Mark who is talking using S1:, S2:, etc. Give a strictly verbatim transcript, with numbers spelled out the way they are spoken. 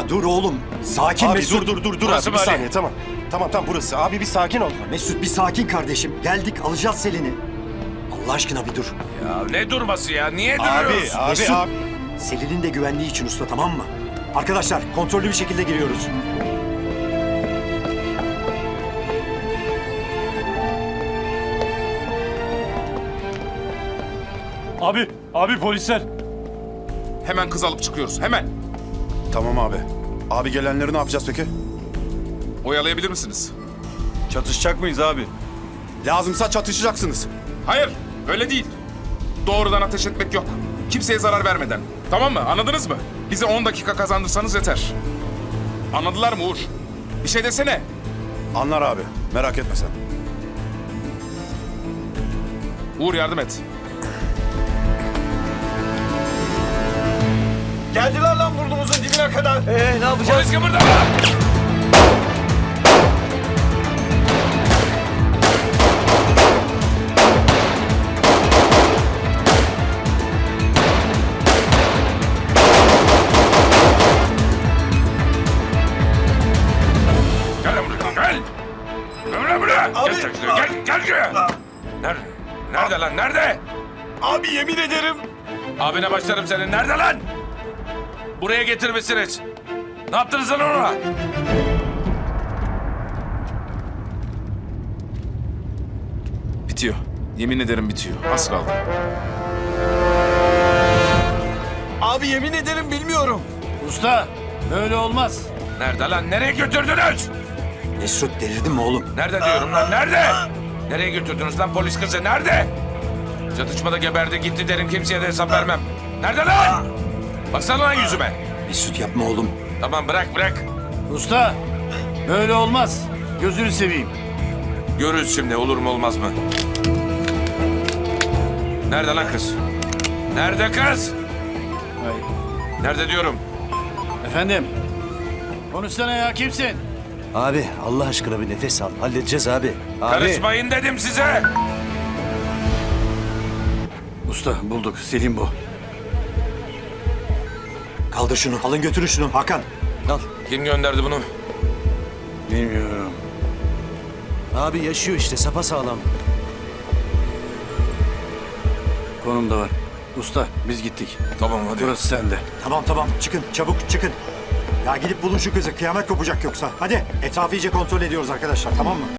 S1: dur oğlum. Sakin
S2: Abi
S1: Mesut.
S2: dur dur dur dur
S3: Burası
S2: abi bir
S3: mı Ali?
S2: saniye tamam. Tamam tamam burası. Abi bir sakin ol.
S1: Mesut bir sakin kardeşim. Geldik alacağız Selin'i. Allah aşkına bir dur.
S3: Ya ne durması ya? Niye
S2: Abi
S3: duruyoruz?
S2: abi
S1: Mesut.
S2: abi.
S1: Selin'in de güvenliği için usta, tamam mı? Arkadaşlar kontrollü bir şekilde giriyoruz.
S4: Abi, abi polisler.
S3: Hemen kız alıp çıkıyoruz. Hemen.
S2: Tamam abi. Abi gelenleri ne yapacağız peki?
S3: Oyalayabilir misiniz?
S4: Çatışacak mıyız abi?
S2: Lazımsa çatışacaksınız.
S3: Hayır. Öyle değil. Doğrudan ateş etmek yok. Kimseye zarar vermeden. Tamam mı? Anladınız mı? Bize on dakika kazandırsanız yeter. Anladılar mı Uğur? Bir şey desene.
S2: Anlar abi. Merak etme sen.
S3: Uğur yardım et.
S4: Geldiler lan burnumuzun dibine kadar. Ee ne yapacağız?
S3: Polis kıpırdama! Gel lan buraya, gel! Gel lan buraya! Gel, gel, gel, gel şuraya! Nerede? Nerede lan, nerede?
S4: Abi yemin ederim.
S3: Abine başlarım senin, nerede lan? Buraya getirmişsiniz. Ne yaptınız lan ona? Bitiyor. Yemin ederim bitiyor. Az kaldı.
S4: Abi yemin ederim bilmiyorum. Usta, böyle olmaz.
S3: Nerede lan? Nereye götürdünüz?
S1: Mesut delirdin mi oğlum?
S3: Nerede diyorum lan? Nerede? Nereye götürdünüz lan polis kızı? Nerede? Çatışmada geberdi gitti derim, kimseye de hesap vermem. Nerede lan? Baksana lan yüzüme.
S1: Mesut yapma oğlum.
S3: Tamam bırak bırak.
S4: Usta, böyle olmaz. Gözünü seveyim.
S3: Görürüz şimdi olur mu olmaz mı? Nerede lan kız? Nerede kız?
S4: Ay.
S3: Nerede diyorum?
S4: Efendim, konuşsana ya, kimsin?
S5: Abi Allah aşkına bir nefes al. Halledeceğiz abi. Abi.
S3: Karışmayın dedim size.
S4: Usta, bulduk. Selim bu.
S1: Kaldır şunu. Alın götürün şunu Hakan.
S5: Al.
S3: Kim gönderdi bunu?
S4: Bilmiyorum.
S5: Abi yaşıyor işte sapasağlam.
S4: Konum da var. Usta, biz gittik.
S3: Tamam hadi.
S4: Burası sende.
S1: Tamam tamam çıkın çabuk çıkın. Ya gidip bulun şu kızı, kıyamet kopacak yoksa. Hadi etrafı iyice kontrol ediyoruz arkadaşlar, tamam mı?